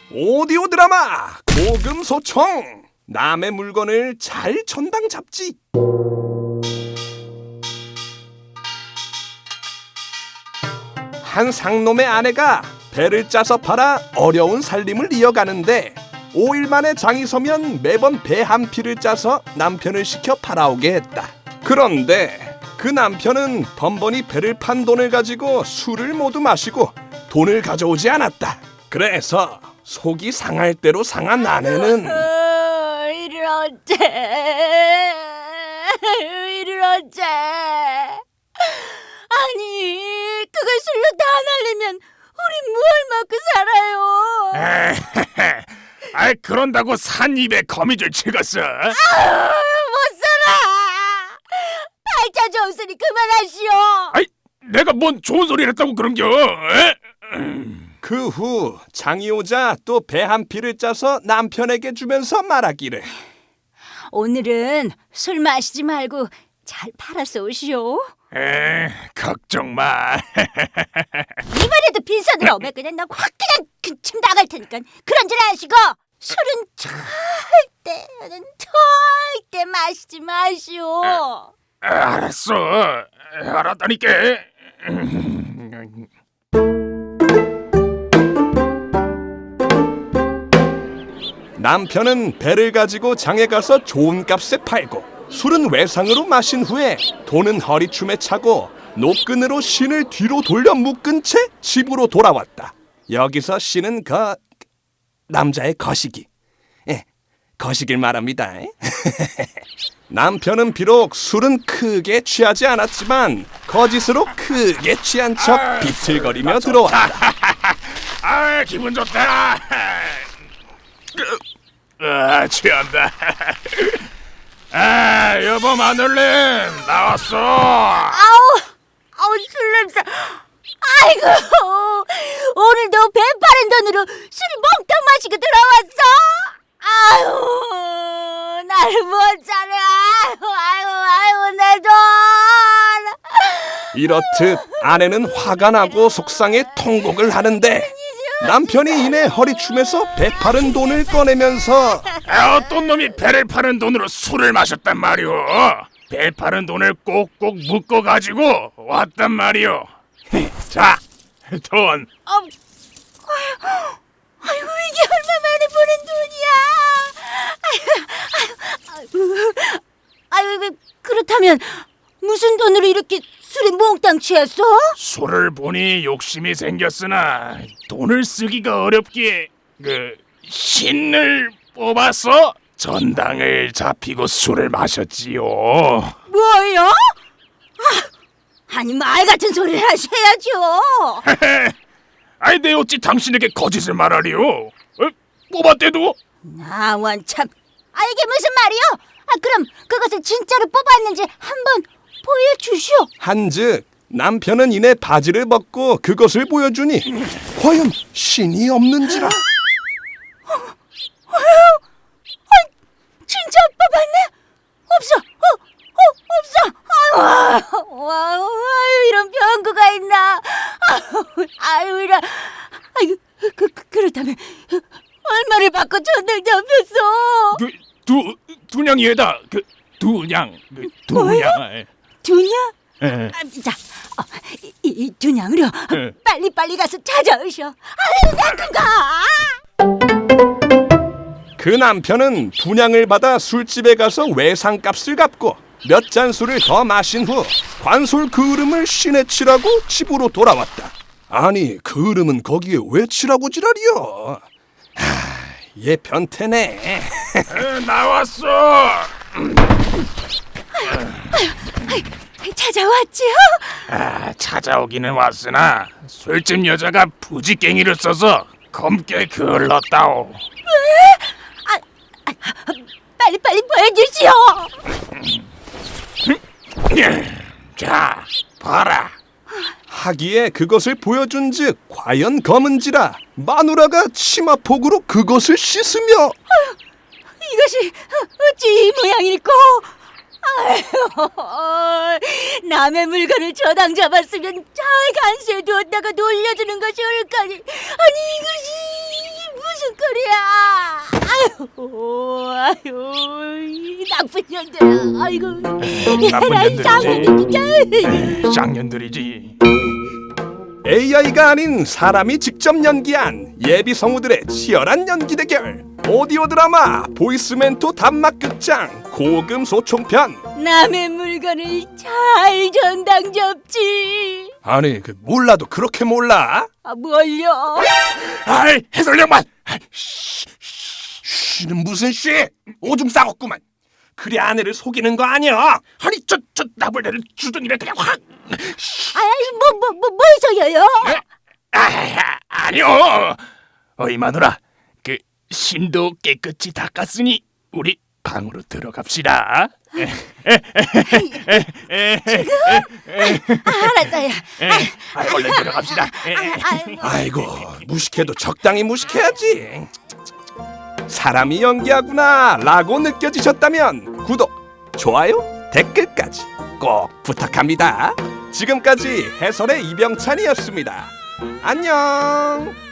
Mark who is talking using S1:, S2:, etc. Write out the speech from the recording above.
S1: 오디오 드라마 고금소총. 남의 물건을 잘 전당 잡지. 한 상놈의 아내가 배를 짜서 팔아 어려운 살림을 이어가는데 5일 만에 장이 서면 매번 배 한 피를 짜서 남편을 시켜 팔아오게 했다. 그런데 그 남편은 번번이 배를 판 돈을 가지고 술을 모두 마시고 돈을 가져오지 않았다. 그래서 속이 상할 대로 상한 아내는
S2: 이를 어째 아니 그걸 술로 다 날리면 우리 뭘 먹고 살아요.
S3: 아이 그런다고 산 입에 거미줄 찍었어?
S2: 못 살아. 팔자 좋은 소리 그만하시오.
S3: 아이 내가 뭔 좋은 소리를 했다고 그런겨?
S1: 그 후 장이 오자 또 배 한 피를 짜서 남편에게 주면서 말하기를,
S2: 오늘은 술 마시지 말고 잘 팔아서 오시오.
S3: 걱정 마.
S2: 이번에도 빈손으로 오면 그냥 나 확 그냥 근침 나갈 테니까 그런 줄 아시고 술은 절대 마시지 마시오.
S3: 알았어. 알았다니까.
S1: 남편은 배를 가지고 장에 가서 좋은 값에 팔고 술은 외상으로 마신 후에 돈은 허리춤에 차고 노끈으로 신을 뒤로 돌려 묶은 채 집으로 돌아왔다. 여기서 신은 남자의 거시기. 거시기를 말합니다. 남편은 비록 술은 크게 취하지 않았지만 거짓으로 크게 취한 척 비틀거리며 들어왔다.
S3: 아 기분 좋다. 취한다. 여보 마늘님 나왔어.
S2: 아우 술 냄새. 아이고 오늘도 배 파는 돈으로 술이 몽땅 마시고 들어왔어. 아유 나를 못 자네. 아이고 내 돈.
S1: 이렇듯 아내는 화가 나고 속상해 통곡을 하는데 남편이 이내 허리춤에서 배 파는 돈을 꺼내면서
S3: 어떤 놈이 배를 파는 돈으로 술을 마셨단 말이오. 배 파는 돈을 꼭꼭 묶어가지고 왔단 말이오. 자, 돈.
S2: 아이고 이게 얼마 만에 보는 돈이야. 아이고 그렇다면 무슨 돈으로 이렇게 술에 몽땅 취했어?
S3: 술을 보니 욕심이 생겼으나 돈을 쓰기가 어렵기에 신을 뽑아서 전당을 잡히고 술을 마셨지요.
S2: 뭐요? 아니 말 같은 소리를 하셔야죠.
S3: 아이 내 어찌 당신에게 거짓을 말하리요? 뽑았대도?
S2: 나 원참. 이게 무슨 말이요? 그럼 그것을 진짜로 뽑았는지 한번 보여주시오.
S1: 한즉 남편은 이내 바지를 벗고 그것을 보여주니 과연 신이 없는지라.
S2: 진짜 뽑았네? 없어. 아유, 이런 병구가 있나? 이런. 그렇다면 얼마를 받고 전당 잡혔어?
S3: 두냥이에다. 두냥.
S2: 두냥? 자, 이 두냥으로 빨리 가서 찾아오셔. 아유, 나
S1: 그 남편은 분양을 받아 술집에 가서 외상값을 갚고 몇 잔 술을 더 마신 후 관솔 그을음을 신에 치라고 집으로 돌아왔다. 아니 그을음은 거기에 왜 치라고 지랄이여. 얘 변태네.
S3: 나왔어.
S2: 찾아왔지요?
S3: 찾아오기는 왔으나 술집 여자가 부지깽이를 써서 검게 그을렀다오.
S2: 빨리 보여주시오.
S3: 자, 봐라.
S1: 하기에 그것을 보여준즉 과연 검은지라 마누라가 치마폭으로 그것을 씻으며
S2: 이것이 어찌 이 모양일꼬? 아유, 남의 물건을 저당 잡았으면 잘 간수해 두었다가 돌려주는 것이 옳까니. 아니 이것이 무슨 무슨 꼴이야? 아유, 이 나쁜 년들아. 아이고,
S3: 나쁜
S2: 에라이,
S3: 년들이지.
S2: 진짜.
S3: 쌍년들이지.
S1: AI가 아닌 사람이 직접 연기한 예비 성우들의 치열한 연기 대결. 오디오 드라마 보이스멘토 단막극장 고금 소총편.
S2: 남의 물건을 잘 전당 접지.
S1: 아니 그 몰라도 그렇게 몰라?
S2: 아, 뭘요?
S3: 아이, 해설력만.
S1: 쉬는 무슨 쉬? 오줌 싸웠구만. 그래 아내를 속이는 거 아니야?
S3: 아니, 저 나불대를 주둥이를 그냥 확.
S2: 뭐서요?
S3: 아니요. 어이 마누라, 그 신도 깨끗이 닦았으니 우리 방으로 들어갑시다.
S2: 알았어요.
S3: 얼른 들어갑시다.
S1: 아이고 무식해도 적당히 무식해야지. 사람이 연기하구나 라고 느껴지셨다면 구독, 좋아요, 댓글까지 꼭 부탁합니다. 지금까지 해설의 이병찬이었습니다. 안녕.